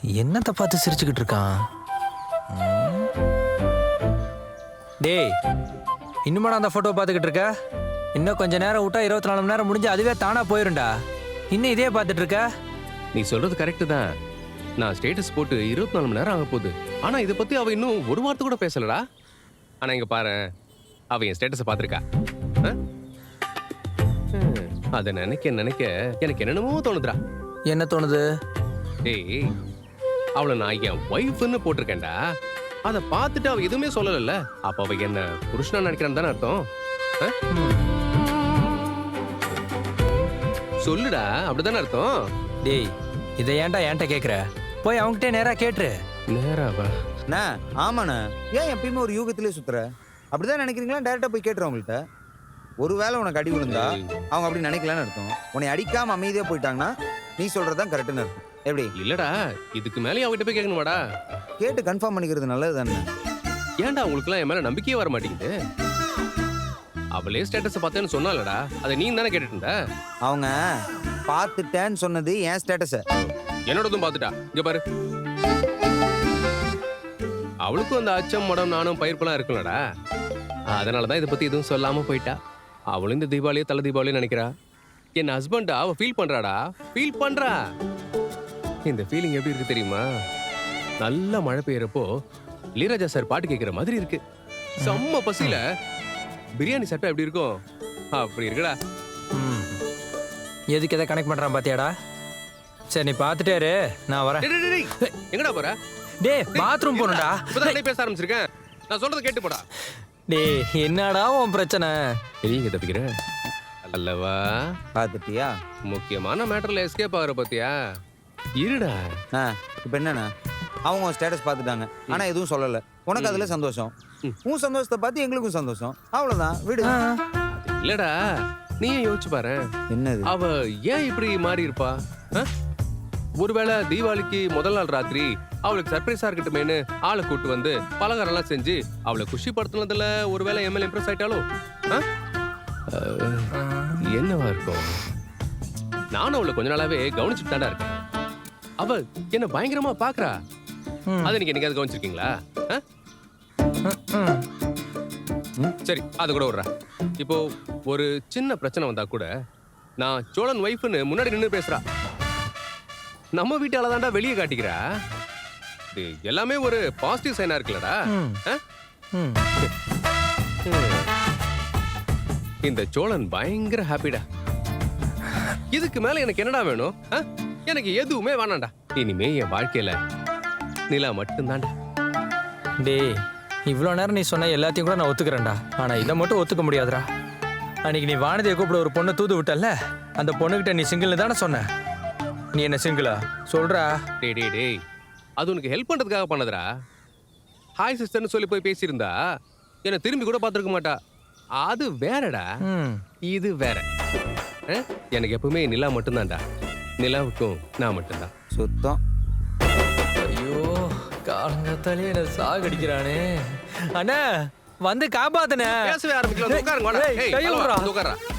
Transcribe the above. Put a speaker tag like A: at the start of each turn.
A: என்னத்தை பார்த்து சிரிச்சுக்கிட்டு இருக்கான்? டேய், இன்னுமாடா அந்த ஃபோட்டோ பார்த்துக்கிட்டு இருக்க? இன்னும் கொஞ்ச நேரம் விட்டா 24 மணி நேரம் முடிஞ்சு அதுவே தானா போயிரும்டா. இன்னும் இதே பார்த்துட்டு இருக்க?
B: நீ சொல்றது கரெக்ட் தான். நான் ஸ்டேட்டஸ் போட்டு 24 மணி நேரம் ஆக போகுது. ஆனா இதை பத்தி அவ இன்னும் ஒரு வார்த்தை கூட பேசலடா. ஆனா இங்க பாரு, அவ என் ஸ்டேட்டஸை பார்த்திருக்கா. அதை நினைக்க நினைக்க எனக்கு என்னென்னமோ தோணுதுடா.
A: என்ன தோணுது?
B: டேய், அவளை நான் என் ஒய்ஃப்னு போட்டிருக்கேன்டா. அதை பார்த்துட்டு அவ எதுவுமே சொல்லல. அப்ப அவ என்ன புருஷனா நினைக்கிறான்னு தானே அர்த்தம்? சொல்லுடா, அப்படிதானே அர்த்தம்?
A: டேய், இதை ஏன்டா என்கிட்ட கேட்குற? போய் அவங்ககிட்ட நேரா கேட்டுரு.
B: நேராவா?
C: அண்ணா ஆமாண்ணா, ஏன் எப்பயுமே ஒரு யூகத்திலே சுத்துற? அப்படிதான் நினைக்கிறீங்களா? டேரக்டா போய் கேட்டுரு அவங்கள்ட்ட. ஒருவேளை உனக்கு அடி விழுந்தா அவங்க அப்படி நினைக்கலான்னு அர்த்தம். உன்னை அடிக்காம அமைதியா போயிட்டாங்கன்னா நீ சொல்றதுதான் கரெக்டுன்னு அர்த்தம். எப்படி?
B: இல்லடா, இதுக்கு மேலே அவகிட்ட போய் கேட்கணுமாடா?
C: கேட்டு கன்ஃபார்ம் பண்ணிக்கிறது நல்லது தானே.
B: ஏன்டா உங்களுக்குலாம் என் மேல நம்பிக்கையே வர மாட்டேங்குது? அவளே ஸ்டேட்டஸ் பார்த்தேன்னு சொன்னாலடா, அதை நீ தானே கேட்டுட்டு இருந்த.
C: அவங்க பார்த்துட்டேன்னு சொன்னது என் ஸ்டேட்டஸ.
B: என்னோடதும் பார்த்துட்டா. இங்க பாரு, அவளுக்கும் அந்த அச்சம் மடம் நானும் பயிர்ப்பெல்லாம் இருக்குல்லடா. அதனாலதான் இதை பத்தி எதுவும் சொல்லாம போயிட்டா. அவளும் இந்த தீபாவளியே தலை தீபாவளியும் நினைக்கிறா. என் ஹஸ்பண்டா அவ ஃபீல் பண்றாடா, ஃபீல் பண்றா. இந்த ஃபீலிங் எப்படி இருக்கு தெரியுமா? நல்ல மழை பெய்யறப்போ இளையராஜா சார் பாட்டு கேட்கிற மாதிரி இருக்கு. செம்ம பசியில பிரியாணி சாப்பிட்டா எப்படி இருக்கும் அப்படி இருக்குடா.
A: எதுக்கு எதை கனெக்ட் பண்றான் பாத்தியாடா? சரி, நீ பார்த்துட்டே இரு, நான் வரேன்.
B: டேய், டேய், டேய், எங்கடா போற?
A: டேய், பாத்ரூம் போகணும்டா.
B: இப்பதான் பேச ஆரம்பிச்சிருக்கேன். நான் சொல்றதை கேட்டு போடா.
A: டேய், என்னடா உன் பிரச்சனை?
B: நீங்க தப்பிக்கிற அல்லவா?
C: பார்த்துட்டியா?
B: முக்கியமான மேட்டர்ல எஸ்கேப் ஆகுற பத்தியா? இருடா.
C: இப்போ என்னண்ணா, அவங்க ஸ்டேட்டஸ் பார்த்துட்டாங்க, ஆனா எதுவும் சொல்லல. உனக்கு அதுல சந்தோஷம். உன் சந்தோஷத்தை பார்த்து எங்களுக்கும் சந்தோஷம். அவ்வளவுதான், விடு.
B: இல்லடா, நீயே யோசிச்சு பாரு.
C: என்னது?
B: அவ ஏன் இப்படி மாறி இருப்பா? ஒருவேளை தீபாவளிக்கு முதல் நாள் ராத்திரி அவளுக்கு சர்ப்ரைஸா இருக்கட்டுமேனு ஆளை கூட்டு வந்து பலகாரம் எல்லாம் செஞ்சு அவளை குஷிப்படுத்தினதுல ஒருவேளை எம்எல் இம்ப்ரெஸ் ஆயிட்டாலும் என்னவா இருக்கும்? நானும் அவளை கொஞ்ச நாளாவே கவனிச்சுட்டு தாண்டா இருக்கேன். அவ என்ன பயங்கரமா பாக்குறா. அதை நீங்க என்னைக்காவது கவனிச்சிருக்கீங்களா? சரி, அது கூட விடுறா. இப்போ ஒரு சின்ன பிரச்சனை வந்தா கூட நான் சோழன் ஒய்ஃப்னு முன்னாடி நின்று பேசுறா. நம்ம வீட்டால தாண்டா வெளியே காட்டிக்கிறா. இது எல்லாமே ஒரு பாசிட்டிவ் சைனா இருக்குல்லடா. இந்த சோழன் பயங்கர ஹாப்பிடா. இதுக்கு மேல எனக்கு என்னடா வேணும்? எனக்கு எதுவுமே வேணாண்டா. இனிமே என் வாழ்க்கையில நிலா மட்டும்தான்டா.
A: டேய், இவ்வளோ நேரம் நீ சொன்ன எல்லாத்தையும் கூட நான் ஒத்துக்கிறேன்டா. ஆனா இதை மட்டும் ஒத்துக்க முடியாதுடா. அன்னைக்கு நீ வானதியை கூப்பிட ஒரு பொண்ணை தூது விட்டல்ல, அந்த பொண்ணுகிட்ட நீ சிங்கிள்னு தானே சொன்ன. நீ என்ன சிங்கிளா சொல்றா?
B: டேய் டேய் டேய், அது உனக்கு ஹெல்ப் பண்றதுக்காக பண்ணதுடா. ஹாய் சிஸ்டர்னு சொல்லி போய் பேசியிருந்தா என்ன திரும்பி கூட பார்த்துருக்க மாட்டா. அது வேறடா, இது வேற. எனக்கு எப்பவுமே நிலா மட்டும்தான்டா. நிலாவுக்கும் நான் மட்டும்தான்.
C: சுத்தம்.
A: ஐயோ, காலங்கத்தாலே என்ன சாகடிக்கிறானே. அண்ணா, வந்து காப்பாத்துனே.
B: பேசவே ஆரம்பிக்கலாம். உட்காருங்க.
A: கையை விடுறா.
B: உட்கார்றா.